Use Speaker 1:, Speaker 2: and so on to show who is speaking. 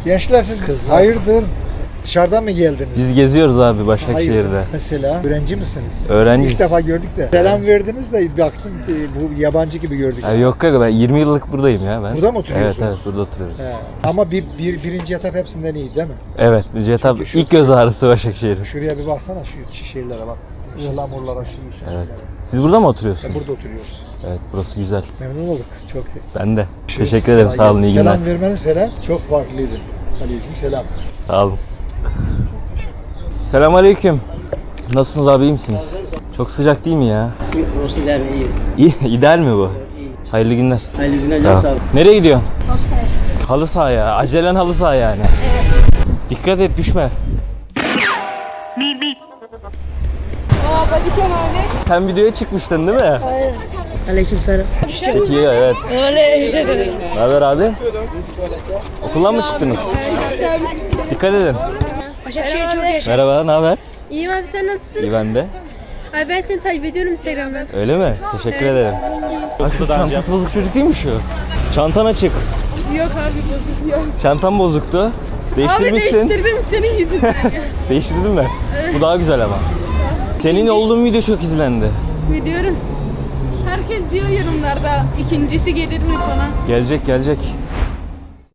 Speaker 1: Gençler siz
Speaker 2: Kızlar.
Speaker 1: hayırdır? Dışarıdan mı geldiniz?
Speaker 3: Biz geziyoruz abi Başakşehir'de.
Speaker 1: Hayırdır? Mesela öğrenci misiniz?
Speaker 3: Öğrenciyiz.
Speaker 1: İlk defa gördük de. Selam verdiniz de baktım bu yabancı gibi gördük.
Speaker 3: Ya yok kanka ben 20 yıllık buradayım ya ben.
Speaker 1: Burada mı oturuyorsunuz?
Speaker 3: Evet burada oturuyoruz.
Speaker 1: He. Ama birinci etap hepsinden iyi değil mi?
Speaker 3: Evet etap
Speaker 1: Çünkü şu-
Speaker 3: ilk göz ağrısı Başakşehir.
Speaker 1: Şuraya bir baksana şu şehirlere bak. Ihlamurlara, şu şeylere.
Speaker 3: Evet. Siz burada mı oturuyorsunuz?
Speaker 1: Burada oturuyoruz.
Speaker 3: Evet burası güzel.
Speaker 1: Memnun olduk. Çok
Speaker 3: Ben de. Teşekkür ederim sağ olun iyi günler.
Speaker 1: Selam vermeniz selam. Çok farklıydı. Aleyküm selam.
Speaker 3: Sağ olun. Selamünaleyküm. Nasılsınız abi iyi misiniz? Çok sıcak değil mi ya?
Speaker 2: Olsun değil mi?
Speaker 3: İyi, ideal mi bu?
Speaker 2: İyi.
Speaker 3: Hayırlı günler.
Speaker 2: Hayırlı günler.
Speaker 3: Tamam.
Speaker 2: Sağ ol.
Speaker 3: Nereye gidiyorsun? Halı saha ya. Acelen halı saha yani. Dikkat et düşme.
Speaker 4: Bodycam abi.
Speaker 3: Sen videoya çıkmıştın değil mi?
Speaker 2: Aleyküm selam.
Speaker 3: Çekiyor evet. Ne haber abi? Okuldan mı çıktınız? Dikkat edin.
Speaker 4: Başakşehir çok yaşa.
Speaker 3: Merhaba, ne haber?
Speaker 4: İyiyim abi, sen nasılsın?
Speaker 3: İyi ben de.
Speaker 4: Abi ben seni takip ediyorum Instagram'dan.
Speaker 3: Öyle mi? Teşekkür
Speaker 4: Evet.
Speaker 3: ederim. Ha şu çantası bozuk çocuk değil mi şu? Çantan açık.
Speaker 4: Yok abi, bozuk yok.
Speaker 3: Çantam bozuktu.
Speaker 4: Abi
Speaker 3: Değiştirmişsin.
Speaker 4: değiştirdim senin yüzünden.
Speaker 3: Değiştirdin mi? Bu daha güzel ama. Senin olduğun video çok izlendi.
Speaker 4: Biliyorum. Herkes diyor yorumlarda ikincisi gelir mi falan.
Speaker 3: Gelecek.